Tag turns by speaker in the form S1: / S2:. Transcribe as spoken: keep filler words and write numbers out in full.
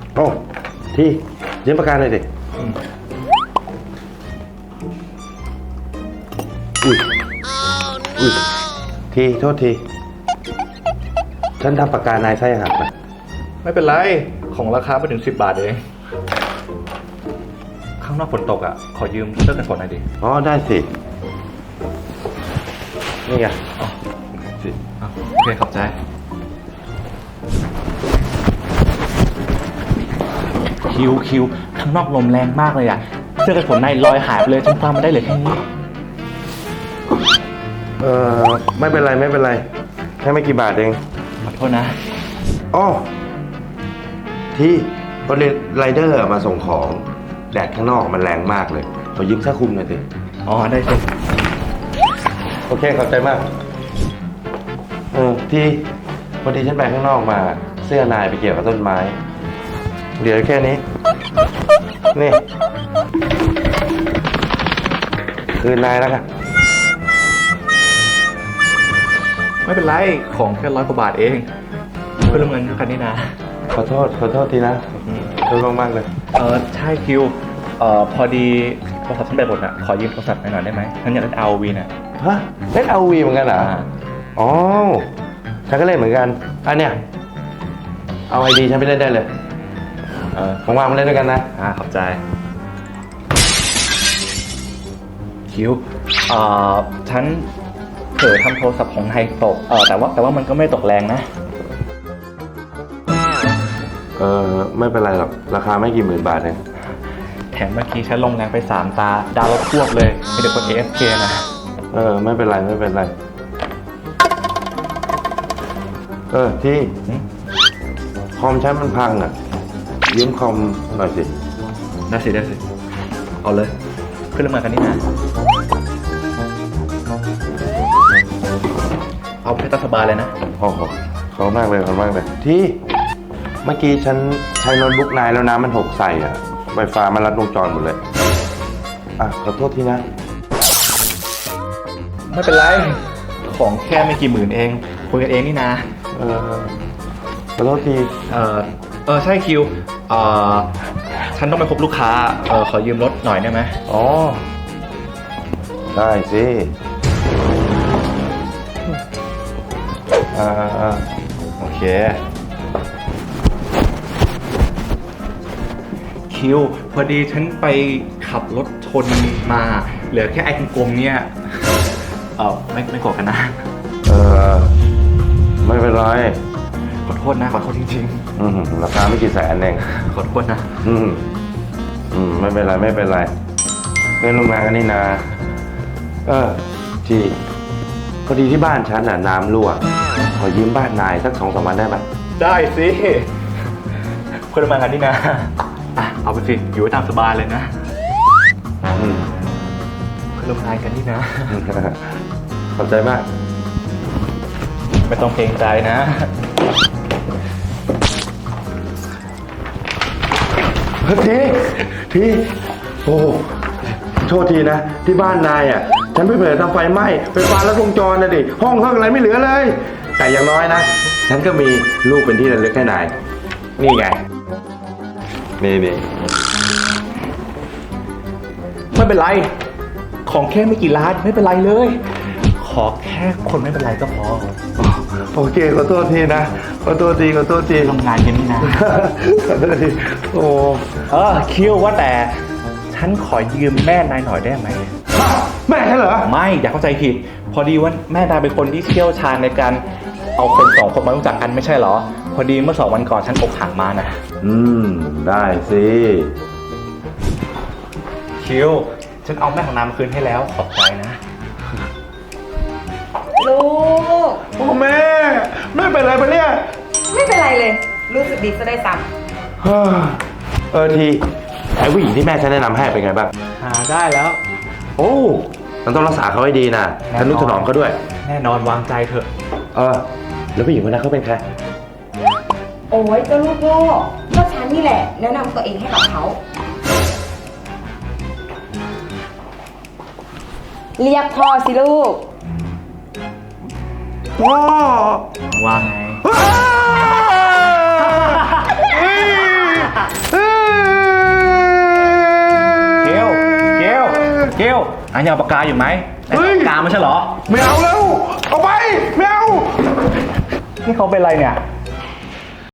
S1: โอ้ที่ยืมปากกาหน่อยดิอุ้ยอุ้ยทีโทษทีฉันทำปากกานายไส้หักนะ
S2: ไม่เป็นไรของราคาไม่ถึงสิบบาทเองข้างนอกฝนตกอ่ะขอยืมเสื้อกันฝนหน่อยดิ
S1: อ๋อได้สินี่ไง
S2: อ๋อสิอ๋อโอเคขอบใจคิวคิวข้างนอกลมแรงมากเลยอ่ะเสื้อกันฝนในลอยหายไปเลยฉันฟังมาได้เลยแค่นี้
S1: เออไม่เป็นไรไม่เป็นไรแค่ไม่กี่บาทเอง
S2: ขอโทษนะ
S1: อ๋อที่รถไรเดอร์มาส่งของแดดข้างนอกมันแรงมากเลยขอยืมเสื้อคลุมหน่อยสิ
S2: อ๋อได้สิ
S1: โอเคขอบใจมากเออที่พอดีฉันไปข้างนอกมาเสื้อนายไปเกี่ยวกับต้นไม้เดี๋ยวแค่นี้นี่คืนนายแล้วกัน
S2: ไม่เป็นไรของแค่ร้อยกว่าบาทเองเพื่อนร่วมงานกันนี่นะ
S1: ขอโทษขอโทษทีนะขอโทษมากๆเลย
S2: เออใช่คิวเอ่อพอดีโทรศัพท์ฉันแบตหมดอ่ะขอยืมโทรศัพท์หน่อยได้ไหมฉันอยากเล่น อาร์ โอ วี น่ะ
S1: ฮะเล่น อาร์ โอ วี เหมือนกันเหรออ๋อฉันก็เล่นเหมือนกันอันเนี้ยเอาไอดีฉันไปเล่นได้เลยเออว่างๆมาเล่นด้วยกันนะ
S2: อ่าขอบใจคิวเอ่อฉันเผลอทำโทรศัพท์ของไทยตกเออแต่ว่าแต่ว่ามันก็ไม่ตกแรงนะ
S1: เออไม่เป็นไรหรอกราคาไม่กี่หมื่นบาทเอง
S2: แถมเมื่อกี้ฉันลงแรงไปสามตาดาวรถพวกเลยมีเด็กคน เอ เอฟ เค นะ
S1: เออไม่เป็นไรไม่เป็นไรเออที่คอมฉันมันพังอ่ะยืมคอมหน่อยสิ
S2: ได้สิได้สิเอาเลยขึ้นเรื่องมากันนี่นะเอาแค่ตามสบายเลยนะ
S1: โอ้โหขอบคุณมากเลยขอบคุณมากเลยที่เมื่อกี้ฉันใช้โน้ตบุ๊กนายแล้วน้ำมันหกใส่อ่ะไฟฟ้ามันรัดวงจรหมดเลยอ่ะขอโทษทีนะ
S2: ไม่เป็นไรของแค่ไม่กี่หมื่นเองคุยกันเองนี่นะ
S1: เออขอโทษที
S2: เออเออใช่คิวเออฉันต้องไปพบลูกค้าเออขอยืมรถหน่อยได้ไหม
S1: อ๋อได้สิอ่า
S2: โอเคคิวพอดีฉันไปขับรถชนมาเหลือแค่ไอ้กลมๆเนี่ยเออไม่ไม่โกรธกันนะ
S1: เออไม่เป็นไร
S2: ขอโทษนะขอโทษจริง
S1: อืมราคาไม่กี่แสนเอง
S2: ๆขอโทษนะ
S1: อืมอืมไม่เป็นไรไม่เป็นไรเพื่อนร่วมงานกันนี่นาเออจีพอดีที่บ้านฉันน่ะน้ำรั่วขอยืมบ้านนายสักสองสามวันได้ไหม
S2: ได้สิเพื่อนร่วมงานกันนี่นะอ่ะเอาไปสิอยู่ไว้ตามสบายเลยนะ
S1: อืม
S2: เพื่อนร่วมงานกันนี่นะ
S1: ขอบใจมาก
S2: ไม่ต้องเกรงใจนะ
S1: ทีทีโอ้โทษทีนะที่บ้านนายอ่ะฉันไปเผลอทำไฟไหม้ไฟฟ้าลัดวงจรนะดิห้องห้องอะไรไม่เหลือเลยแต่อย่างน้อยนะฉันก็มีลูกเป็นที่ระลึกให้นายนี่ไงนี่นี่
S2: ไม่เป็นไรของแค่ไม่กี่ล้านไม่เป็นไรเลย ขอแค่คนไม่เป็นไรก็พอ
S1: โอเคขอโทษทีนะขอโทษทีขอโทษที
S2: ทำงานกันนี่นะ
S1: ขอโทษทีโอ้
S2: เออคิวว่าแต่ฉันขอยืมแม่นายหน่อยได้ไหม
S1: แม่ใช่เหรอ
S2: ไม่อย่าเข้าใจผิด พอดีว่าแม่นายเป็นคนที่เชี่ยวชาญในการเอาคนสองคนมารู้จักกันไม่ใช่เหรอ พอดีเมื่อสองวันก่อนฉันอกหักมานะ
S1: อืมได้สิ
S2: คิวฉันเอาแม่ของนายมาคืนให้แล้วขอบใจนะ
S3: ลูก
S1: โอ้แม่แม่เป็นอะไรปะเนี่ย
S3: ไม่เป็นไรเลย รู้สึกดีซะได้ซ้
S1: เฮ้อเออทีไอ้ผู้หญิงที่แม่ฉันแนะนำให้เป็นไงบ้าง
S2: หาได้แล้ว
S1: โอ้มันต้องรักษาเขาให้ดีนะทนุถนอมเขาด้วย
S2: แน่นอนวางใจเถอะ
S1: เออแล้วผู้หญิงคนนั้นเขาเป็นใคร
S3: ำโอ้ยเจ้าลูกโง่ก็ฉันนี่แหละแนะนำตัวเองให้กับเขา เรียกพ่อสิลูก
S1: พ่อ
S2: ว่าไง
S1: เฮ้ย
S2: เกลอันยังเอาปากกาอยู่ไหม
S1: เฮ้ย
S2: ปากกาไม่ใช่เหรอ
S1: ไม่เอาแล้ว เอาไป ไม่เอา
S2: นี่เขาเป็นอะไรเนี่ย